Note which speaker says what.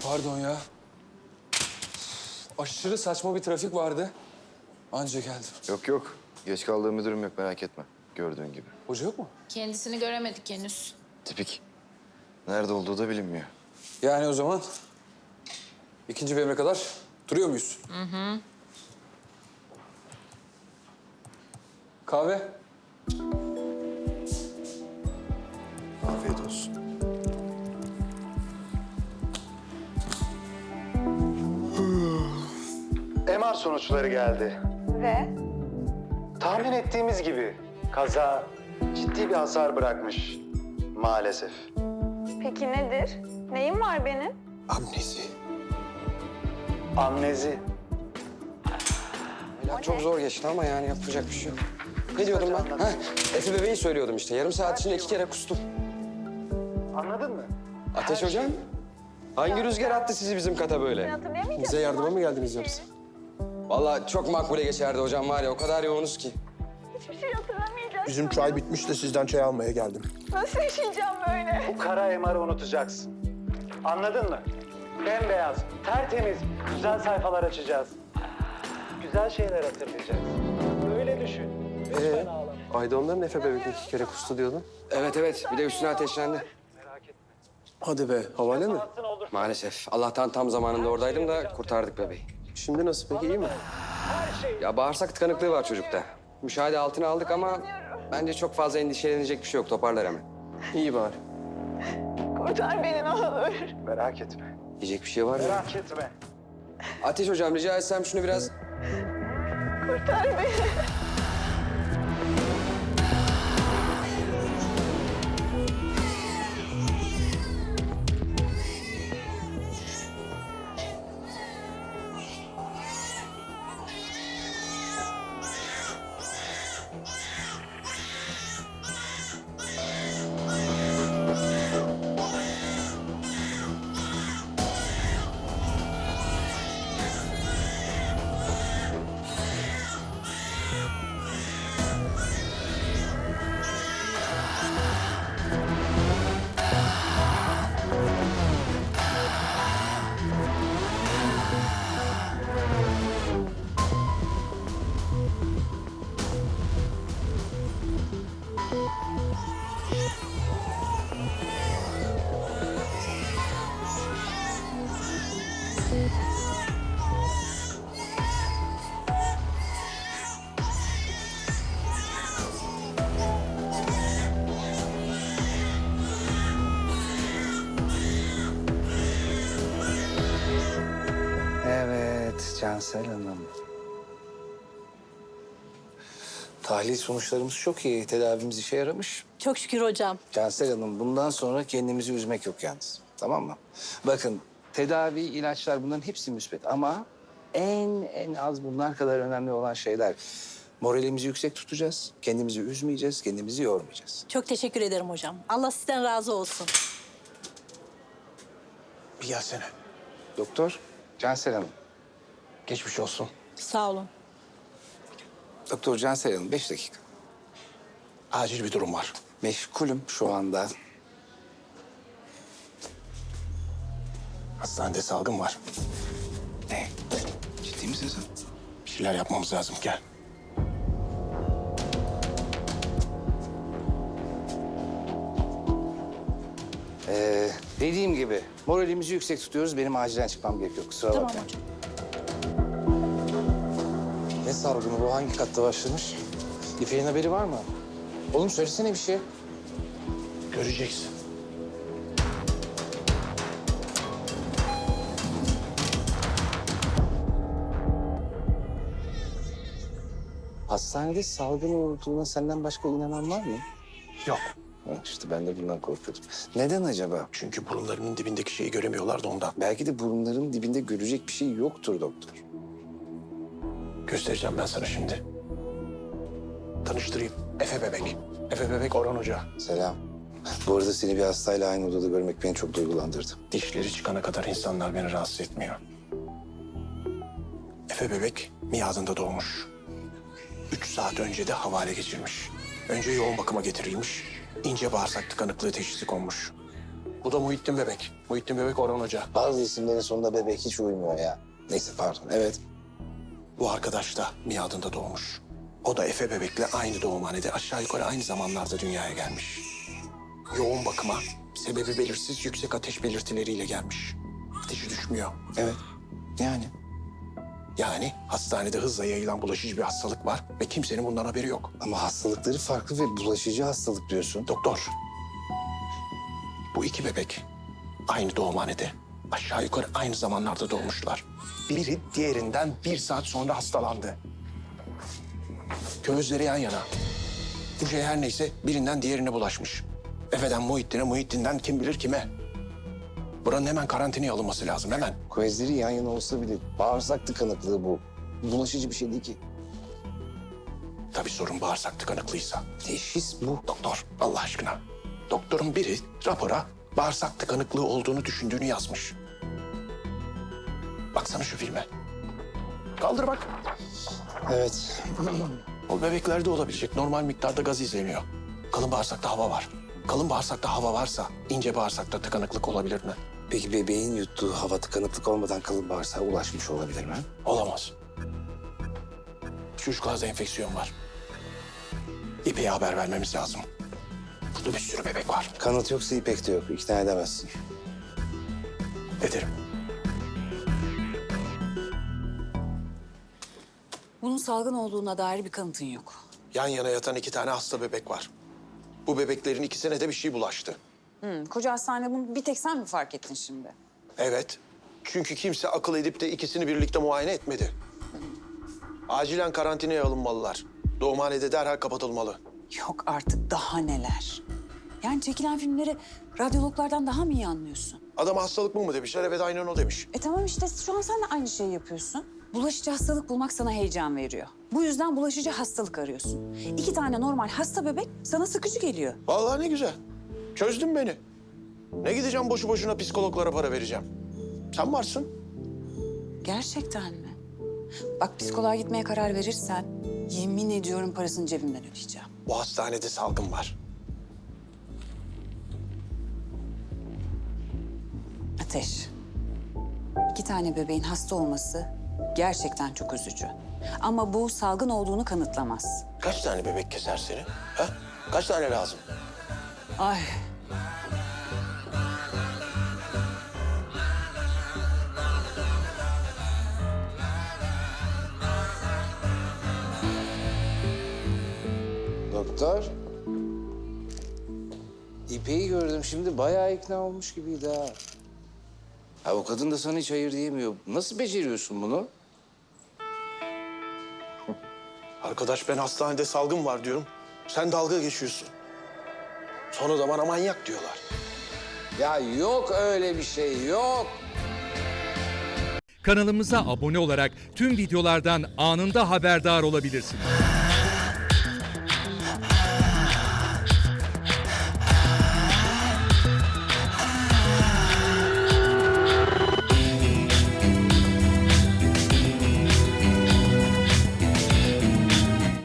Speaker 1: Pardon ya. Aşırı saçma bir trafik vardı. Anca geldim.
Speaker 2: Yok yok. Geç kaldığım bir durum yok, merak etme. Gördüğün gibi.
Speaker 1: Hoca yok mu?
Speaker 3: Kendisini göremedik henüz.
Speaker 2: Tipik. Nerede olduğu da bilinmiyor.
Speaker 1: Yani o zaman ikinci BM'e kadar duruyor muyuz? Kahve.
Speaker 2: Afiyet olsun.
Speaker 4: MR sonuçları geldi.
Speaker 5: Ve
Speaker 4: Tahmin ettiğimiz gibi kaza ciddi bir hasar bırakmış maalesef.
Speaker 5: peki nedir? Neyim var benim?
Speaker 4: Amnezi. Amnezi.
Speaker 6: Ya çok zor geçti ama yani yapacak bir şey yok. Ne diyordum ben? Ha, Efe bebeği söylüyordum işte. Yarım saat içinde 2 kere kustum.
Speaker 4: Anladın mı?
Speaker 6: Ateş hocam, hangi rüzgar attı sizi bizim kata
Speaker 5: Sen
Speaker 6: böyle?
Speaker 5: hatırlayamayacaksın.
Speaker 6: Bize yardıma mı geldiniz yoksa? Vallahi çok makbule geçerdi hocam var ya, o kadar yoğunuz ki.
Speaker 5: Hiçbir şey hatırlamayacaksın.
Speaker 7: Bizim çay bitmiş de sizden çay almaya geldim.
Speaker 5: Nasıl yaşayacağım böyle?
Speaker 4: Bu kara MR'ı unutacaksın. Anladın mı? Bembeyaz, tertemiz, güzel sayfalar açacağız. Güzel şeyler hatırlayacağız. Öyle düşün. Lütfen ağlama.
Speaker 7: Ayda onların Efe bebek 2 kere kustu diyordun.
Speaker 6: Evet evet, bir de üstüne ateşlendi.
Speaker 4: Merak etme.
Speaker 7: Hadi be, havale mi?
Speaker 4: Altın olur.
Speaker 6: Maalesef. Allah'tan tam zamanında oradaydım da kurtardık bebeği.
Speaker 7: Şimdi nasıl peki, iyi mi?
Speaker 4: Her şey.
Speaker 6: Ya bağırsak tıkanıklığı var çocukta. Müşahede altına aldık ama bence çok fazla endişelenecek bir şey yok. Toparlar hemen.
Speaker 7: İyi bari.
Speaker 5: Kurtar beni ne olur.
Speaker 4: Merak etme.
Speaker 6: Diyecek bir şey var mı?
Speaker 4: Merak etme.
Speaker 6: Ateş hocam rica etsem şunu biraz...
Speaker 5: Kurtar beni.
Speaker 8: Evet, Cansel Hanım. Tahlil sonuçlarımız çok iyi. Tedavimiz işe yaramış.
Speaker 9: Çok şükür hocam.
Speaker 8: Cansel Hanım, bundan sonra kendimizi üzmek yok yalnız. Tamam mı? Bakın, tedavi, ilaçlar bunların hepsi müsbet ama en az bunlar kadar önemli olan şeyler. Moralimizi yüksek tutacağız, kendimizi üzmeyeceğiz, kendimizi yormayacağız.
Speaker 9: Çok teşekkür ederim hocam. Allah sizden razı olsun.
Speaker 7: Bir gelsene.
Speaker 8: Doktor, Cansel Hanım.
Speaker 7: Geçmiş olsun.
Speaker 9: Sağ olun.
Speaker 8: Doktor Cansel Hanım, 5 dakika.
Speaker 7: Acil bir durum var.
Speaker 8: Meşgulüm şu anda.
Speaker 7: Hastanede salgın var.
Speaker 8: Ne? Ciddi misin sen?
Speaker 7: Bir şeyler yapmamız lazım. Gel.
Speaker 8: Dediğim gibi moralimizi yüksek tutuyoruz. Benim acilen çıkmam gerekiyor. Kusura
Speaker 9: Tamam
Speaker 8: bakma.
Speaker 9: hocam.
Speaker 8: Ne salgını bu? Hangi katta başlamış? İpek'in haberi var mı? Oğlum söylesene bir şey.
Speaker 7: Göreceksin.
Speaker 8: Hastanede salgın olduğuna senden başka inanan var mı?
Speaker 7: Yok.
Speaker 8: Ha, İşte ben de bundan korkuyordum. Neden acaba?
Speaker 7: Çünkü burunlarının dibindeki şeyi göremiyorlar da ondan.
Speaker 8: Belki de burunların dibinde görecek bir şey yoktur doktor.
Speaker 7: Göstereceğim ben sana şimdi. Tanıştırayım. Efe bebek. Efe bebek Orhan Hoca.
Speaker 8: Selam. Bu arada seni bir hastayla aynı odada görmek beni çok duygulandırdı.
Speaker 7: Dişleri çıkana kadar insanlar beni rahatsız etmiyor. Efe bebek miadında doğmuş. 3 saat önce de havale geçirmiş. Önce yoğun bakıma getirilmiş. İnce bağırsak tıkanıklığı teşhisi konmuş. Bu da Muhittin Bebek. Muhittin Bebek Orhan Hoca.
Speaker 8: Bazı isimlerin sonunda bebek hiç uymuyor ya. Neyse pardon, evet.
Speaker 7: Bu arkadaş da miadında doğmuş. O da Efe Bebek'le aynı doğumhanede aşağı yukarı aynı zamanlarda dünyaya gelmiş. Yoğun bakıma, sebebi belirsiz yüksek ateş belirtileriyle gelmiş. Ateşi düşmüyor.
Speaker 8: Evet, yani.
Speaker 7: Yani hastanede hızla yayılan bulaşıcı bir hastalık var ve kimsenin bundan haberi yok.
Speaker 8: Ama hastalıkları farklı ve bulaşıcı hastalık diyorsun.
Speaker 7: Doktor, bu iki bebek aynı doğumhanede aşağı yukarı aynı zamanlarda doğmuşlar. Biri diğerinden 1 saat sonra hastalandı. Gözleri yan yana. Bu şey her neyse birinden diğerine bulaşmış. Efe'den Muhittin'e, Muhittin'den kim bilir kime. Buranın hemen karantinaya alınması lazım, hemen.
Speaker 8: Gözleri yan yana olsa bile bağırsak tıkanıklığı bu. Bulaşıcı bir şey değil ki.
Speaker 7: Tabii sorun bağırsak tıkanıklıysa.
Speaker 8: Teşhis bu.
Speaker 7: Doktor, Allah aşkına. Doktorun biri rapora bağırsak tıkanıklığı olduğunu düşündüğünü yazmış. Baksana şu filme. Kaldır bak.
Speaker 8: Evet.
Speaker 7: O bebeklerde olabilecek normal miktarda gaz izleniyor. Kalın bağırsakta hava var. Kalın bağırsakta hava varsa ince bağırsakta tıkanıklık olabilir mi?
Speaker 8: Peki bebeğin yuttuğu hava tıkanıklık olmadan kalın bağırsağa ulaşmış olabilir mi?
Speaker 7: Olamaz. Çocuklarda enfeksiyon var. İpek'e haber vermemiz lazım. Burada bir sürü bebek var.
Speaker 8: Kanıt yoksa İpek de yok. İkna edemezsin.
Speaker 7: Ederim.
Speaker 10: Bunun salgın olduğuna dair bir kanıtın yok.
Speaker 7: Yan yana yatan 2 tane hasta bebek var. Bu bebeklerin ikisine de bir şey bulaştı.
Speaker 10: Koca hastanede bunu bir tek sen mi fark ettin şimdi?
Speaker 7: Evet. Çünkü kimse akıl edip de ikisini birlikte muayene etmedi. Acilen karantinaya alınmalılar. Doğumhanede derhal kapatılmalı.
Speaker 10: Yok artık daha neler. Yani çekilen filmleri radyologlardan daha mı iyi anlıyorsun?
Speaker 7: Adama hastalık mı demişler? Evet, aynen o demiş.
Speaker 10: Tamam işte şu an sen de aynı şeyi yapıyorsun. Bulaşıcı hastalık bulmak sana heyecan veriyor. Bu yüzden bulaşıcı hastalık arıyorsun. 2 tane normal hasta bebek sana sıkıcı geliyor.
Speaker 7: Vallahi ne güzel. Çözdün beni. Ne gideceğim boşu boşuna psikologlara para vereceğim. Sen varsın.
Speaker 10: Gerçekten mi? Bak psikoloğa gitmeye karar verirsen yemin ediyorum parasını cebimden ödeyeceğim.
Speaker 7: Bu hastanede salgın var.
Speaker 10: Ateş. 2 tane bebeğin hasta olması gerçekten çok üzücü. Ama bu salgın olduğunu kanıtlamaz.
Speaker 7: Kaç tane bebek keser seni? Ha? Kaç tane lazım?
Speaker 10: Ay.
Speaker 8: Doktor. İpek'i gördüm şimdi bayağı ikna olmuş gibiydi ha. Ha o kadın da sana hiç hayır diyemiyor. Nasıl beceriyorsun bunu?
Speaker 7: Arkadaş ben hastanede salgın var diyorum. Sen dalga geçiyorsun. Sonra da bana manyak diyorlar.
Speaker 8: Ya yok öyle bir şey yok.
Speaker 11: Kanalımıza abone olarak tüm videolardan anında haberdar olabilirsiniz.